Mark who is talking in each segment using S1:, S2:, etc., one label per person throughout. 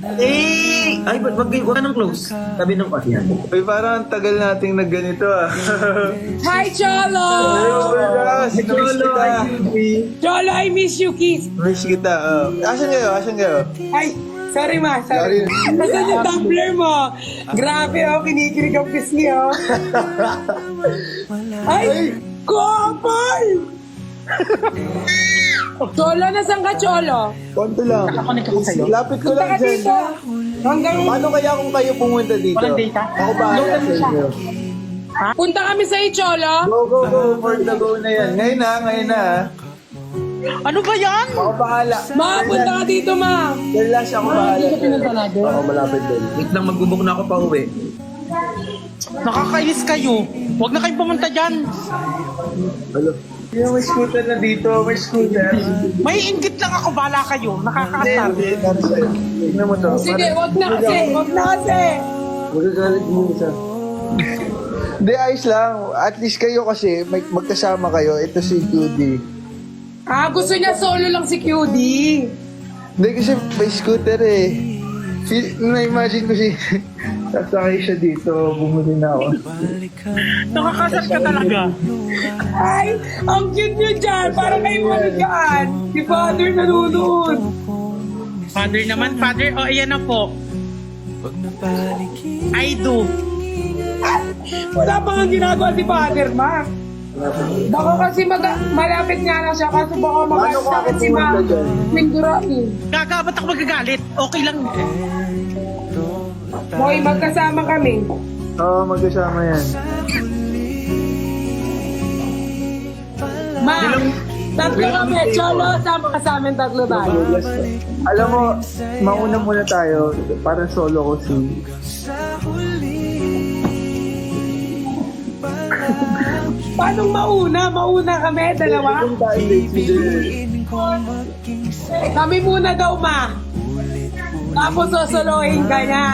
S1: Ay, ba't wag ka nang close? Tabi ng pasihan.
S2: Ay, parang ang tagal nating nagganito ah.
S3: Hi, Cholo!
S2: Miss kita.
S3: Cholo, I miss you, kiss.
S2: Miss kita. Asan kayo? Asan kayo?
S3: Ay, sorry ma, sorry. Nasaan yung tumbler mo? Grabe oh, kinikilig ang pisngi oh. Ay, couple! Cholo, nasaan ka, Cholo?
S2: Konto lang.
S4: Nakakonect ako sa'yo.
S2: Lapit ko
S3: Punta
S2: lang
S3: ka
S2: dyan.
S3: dito. Hanggang
S2: Paano kaya kung kayo pumunta dito?
S4: Walang data?
S2: Ako bahala sa inyo.
S3: punta kami sa'yo, Cholo.
S2: Go, go, go. For the go na yan. Ngayon na, ngayon na.
S4: Ano ba yan?
S2: Ako bahala.
S3: Ma, punta ka dito, ma.
S2: Dalas ako bahala.
S3: Pinunta natin.
S2: Ako malapit din.
S1: Wait lang, magbubok na ako pa uwi.
S4: Nakakainis kayo. Huwag na kayong pumunta dyan.
S2: Hello. Yung may scooter na dito, may scooter.
S4: May inggit lang ako, bala kayo. Nakakaasar.
S2: Hindi, para sa'yo. Tignan mo to.
S3: Sige, wag na kasi, wag na kasi.
S2: Magagalit mo isa. Hindi, ayos lang. At least kayo kasi, magkasama kayo. Ito si Judy.
S3: Ah, gusto niya solo lang si QD.
S2: Hindi kasi may scooter eh. Na-imagine ko si... Sasakay siya dito, bumuli na ako.
S4: Nakakasar ka talaga.
S3: Ay, ang cute niyo dyan. Parang kayo maligaan. Si Father nanonood.
S4: Father naman, father. O, ayan na po. I do.
S3: Wala pa nga ginagawa si Father, ma. Baka kasi malapit nga lang siya kasi baka
S2: Paano ko
S3: mag-sakit
S2: ako
S3: si ma.
S2: pumunta dyan?
S3: Mindura eh.
S4: Gaga, ba't ako magagalit? Okay lang.
S3: Boy, magkasama kami.
S2: Oo, magkasama yan.
S3: Ma, tatlo kami. Cholo, sama ka sa amin, tatlo tayo.
S2: Alam mo, mauna muna tayo. Para solo ko si...
S3: Paano mauna? Mauna kami, dalawa?
S2: Kung tayo dinner.
S3: Kami muna daw, ma. Tapos sosolohin ka na.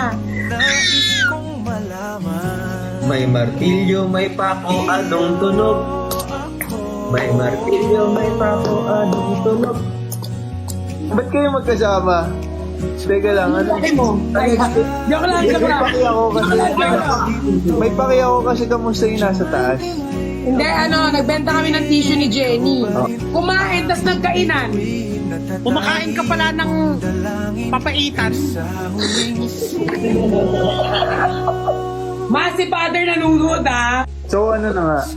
S1: May martilyo, may pako, anong tunog? May martilyo, may pako, anong tunog?
S2: Ba't kayo magkasama? Teka lang, ano?
S3: Sabi mo. Ay, joke lang, joke lang.
S2: May paki ako kasi.
S3: Joke lang, joke lang.
S2: May paki ako kasi kamusta yung nasa taas.
S3: Hindi, nagbenta kami ng tissue ni Jenny. Kumain, tas nagkainan.
S4: Kumakain ka pala ng papaitan.
S3: Ma, si Father nanonood, ah.
S2: So ano na nga?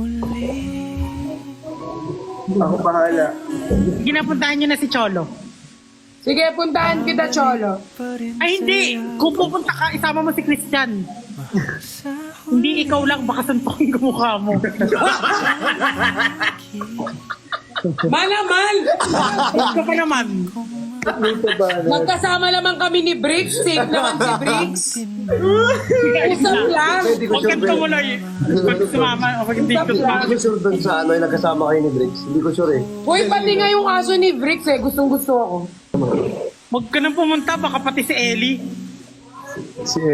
S2: Ako bahala.
S4: Ginapuntahan niyo na si Cholo.
S3: Sige, puntahan kita, Cholo.
S4: Ay, hindi. Kung pupunta ka, isama mo si Christian. Hindi ikaw lang, baka suntukin ko mukha mo.
S3: Malaman!
S4: Ikaw pa naman.
S2: Dito ba?
S3: Magkasama naman kami ni Briggs. Safe naman si Briggs. Usap lang.
S4: Huwag kang tumuloy. Pag sumama, o pag hindi ko sumama.
S5: Hindi ko sure dun sa ano, yung nagkasama kayo ni Briggs. Hindi ko sure eh.
S3: Uy, pati nga yung aso ni Briggs eh. Gustong gusto ako.
S4: Huwag ka nang pumunta, baka pati si Ellie.
S2: Si